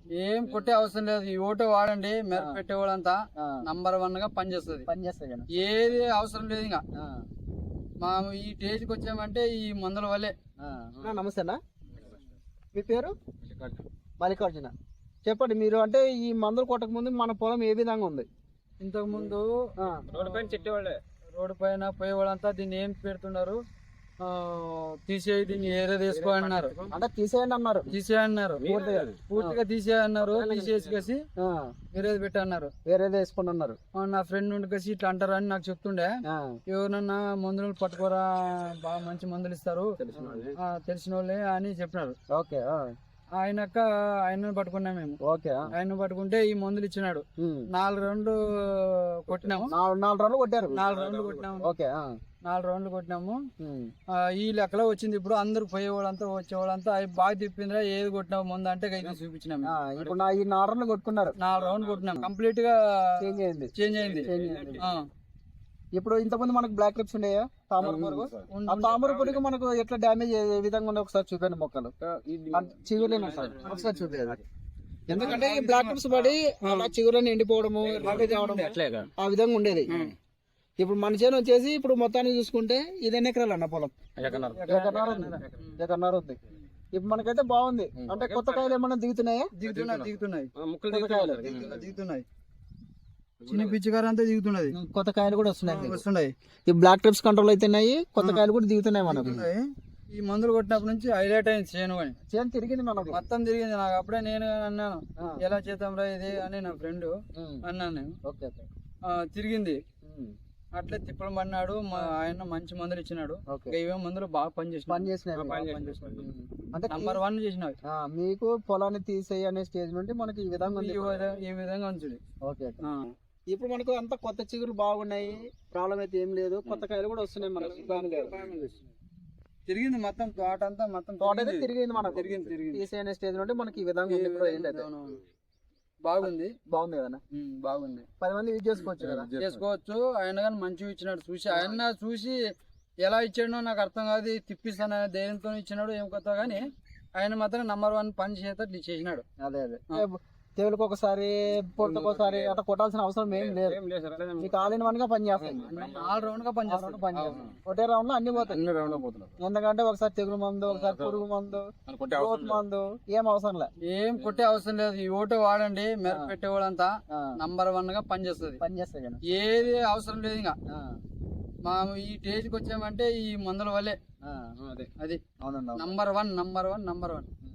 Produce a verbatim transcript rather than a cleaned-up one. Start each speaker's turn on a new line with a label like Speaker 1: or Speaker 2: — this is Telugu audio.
Speaker 1: ఏం కొట్టే అవసరం లేదు. ఈ ఓటు వాడండి, మెరుపు పెట్టేవాళ్ళంతా నంబర్ వన్ గా పనిచేస్తుంది
Speaker 2: పనిచేస్తాయి.
Speaker 1: ఏది అవసరం లేదు. ఇంకా మా ఈ స్టేజ్కి వచ్చామంటే ఈ మందుల వల్లే.
Speaker 2: నమస్తే అన్న, మీ పేరు? మల్లికార్జున. చెప్పండి, మీరు అంటే ఈ మందులు కొట్టక ముందు మన పొలం ఏ విధంగా ఉంది?
Speaker 1: ఇంతకు ముందు
Speaker 3: రోడ్డు పైన చెట్టేవాళ్ళే,
Speaker 1: రోడ్డు పైన పోయేవాళ్ళంతా దీన్ని ఏం పెడుతున్నారు, తీసేయి దీన్ని ఏరే తీసుకో అన్నారు.
Speaker 2: అంటే తీసేయండి అన్నారు,
Speaker 1: తీసేయన్నారు, పూర్తిగా తీసేయన్నారు. తీసేసి వేరేది పెట్టి అన్నారు,
Speaker 2: వేరేది వేసుకుని అన్నారు.
Speaker 1: నా ఫ్రెండ్ నుండి కలిసి ఇట్లా అంటారు అని నాకు చెప్తుండే. ఎవరన్నా మందులు పట్టుకోరా, బాగా మంచి మందులు ఇస్తారు తెలిసిన వాళ్ళే అని చెప్పినారు.
Speaker 2: ఓకే.
Speaker 1: ఆయనక ఆయన పట్టుకున్నాం మేము.
Speaker 2: ఓకే.
Speaker 1: ఆయన పట్టుకుంటే ఈ మందులు ఇచ్చినాడు. నాలుగు రౌండ్లు కొట్టినాము.
Speaker 2: నాలుగు రౌండ్లు కొట్టారు.
Speaker 1: నాలుగు రౌండ్లు కొట్టినాము.
Speaker 2: ఓకే.
Speaker 1: నాలుగు రౌండ్లు కొట్టినాము. ఈ లెక్కలో వచ్చింది. ఇప్పుడు అందరు పోయేవాళ్ళంతా వచ్చేవాళ్ళంతా అవి బాగా తిప్పిందిరా, ఏది కొట్టినావు ముందు అంటే అయితే చూపించినాము.
Speaker 2: ఇప్పుడు ఈ నాలుగు రౌండ్లు కొట్టుకున్నారు.
Speaker 1: నాలుగు రౌండ్లు కొట్టినాం. కంప్లీట్ గా
Speaker 2: చేంజ్ అయింది.
Speaker 1: చేంజ్ అయింది.
Speaker 2: ఇప్పుడు ఇంతకుముందు మనకు బ్లాక్ క్లిప్స్ ఉండేయా? తామర పురుగు. ఆ తామర పురుగు మనకు ఎట్లా డ్యామేజ్ ఏ విధంగా ఉండే ఒకసారి చూపండి. మొక్కలు చిగురులేని ఒకసారి చూపేది. ఎందుకంటే ఈ బ్లాక్ క్లిప్స్ పడి చిగురుని ఎండిపోవడము ఆ విధంగా ఉండేది. ఇప్పుడు మన చేను వచ్చేసి ఇప్పుడు మొత్తానికి చూసుకుంటే ఇది ఎన్ని ఎకరాలు అన్న పొలం? ఎకరన్నర ఉంది. ఎకరన్నర ఉంది. ఇప్పుడు మనకైతే బాగుంది. అంటే కొత్త కాయలు ఏమన్నా దిగుతున్నాయా?
Speaker 1: దిగుతున్నాయి దిగుతున్నాయి దిగుతున్నాయి చిన్న పిచ్చికారు అంతా దిగుతున్నది.
Speaker 2: కొత్త కాయలు కూడా వస్తున్నాయి
Speaker 1: వస్తున్నాయి
Speaker 2: ఈ బ్లాక్ ట్రిప్స్ కంట్రోల్ అవుతున్నాయి. కొత్త కాయలు కూడా దిగుతున్నాయి మనకు.
Speaker 1: ఈ మందులు కొట్టినప్పటి నుంచి హైలైట్ అయింది చేను అని.
Speaker 2: చేను తిరిగింది మనకు,
Speaker 1: మొత్తం తిరిగింది. నాకు అప్పుడే నేను అన్నాను, ఎలా చేద్దాం రా ఇది అని నా ఫ్రెండ్ అన్నాను నేను. తిరిగింది. అట్లే తిప్పలు పడినాడు. ఆయన మంచి మందులు ఇచ్చినాడు. ఇవే మందులు బాగా పనిచేసిన అంటే నంబర్ వన్ చేసినవి.
Speaker 2: మీకు పొలాన్ని తీసేయి అనే స్టేజ్ నుండి మనకి ఈ విధంగా
Speaker 1: ఈ విధంగా ఉంచుడు.
Speaker 2: ఓకే. ఇప్పుడు మనకు అంత కొత్త చిగురు బాగున్నాయి, ప్రాబ్లం అయితే ఏం లేదు. కొత్త కాయలు కూడా వస్తున్నాయి మనకు.
Speaker 1: తిరిగింది మొత్తం తోట అంతా, మొత్తం
Speaker 2: తోట అయితే తిరిగింది మనకు.
Speaker 1: తిరిగింది తిరిగింది
Speaker 2: తీసే అనే స్టేజ్ నుండి మనకి ఈ విధంగా
Speaker 1: బాగుంది.
Speaker 2: బాగుంది కదా?
Speaker 1: బాగుంది.
Speaker 2: పది మంది యూజ్ చేసుకోవచ్చు కదా?
Speaker 1: చేసుకోవచ్చు. ఆయన కానీ మంచిగా ఇచ్చినాడు. చూసి ఆయన చూసి ఎలా ఇచ్చాడో నాకు అర్థం కాదు. తిప్పిస్తాను ధైర్యంతో ఇచ్చినాడు ఏం కొత్త, కానీ ఆయన మాత్రం నంబర్ వన్ పని చేసేటట్లు చేసినాడు.
Speaker 2: అదే అదే తెగులకు ఒకసారి పొట్టుకోసారి అట్లా కొట్టాల్సిన అవసరం ఏం లేదు. మీకు ఆల్ ఇన్ వన్ గా పని చేస్తుంది.
Speaker 1: ఆల్ రౌండ్ గా పని చేస్తుంది.
Speaker 2: పని చేస్తుంది. ఒకటే రౌండ్ లో అన్ని పోతాయి. ఎందుకంటే ఒకసారి తెగులు మందు, ఒకసారి పురుగు మందు, గ్రోత్ మందు ఏం అవసరం లేదు.
Speaker 1: ఏం కొట్టే అవసరం లేదు. ఈ ఓటు వాడండి, మెరుపు పెట్టేవాళ్ళంతా నంబర్ వన్ గా పని చేస్తుంది.
Speaker 2: పని చేస్తాయి.
Speaker 1: ఏది అవసరం లేదు. ఇంకా మా ఈ స్టేజ్కి వచ్చామంటే ఈ మందుల వల్లే. అది number one number one number one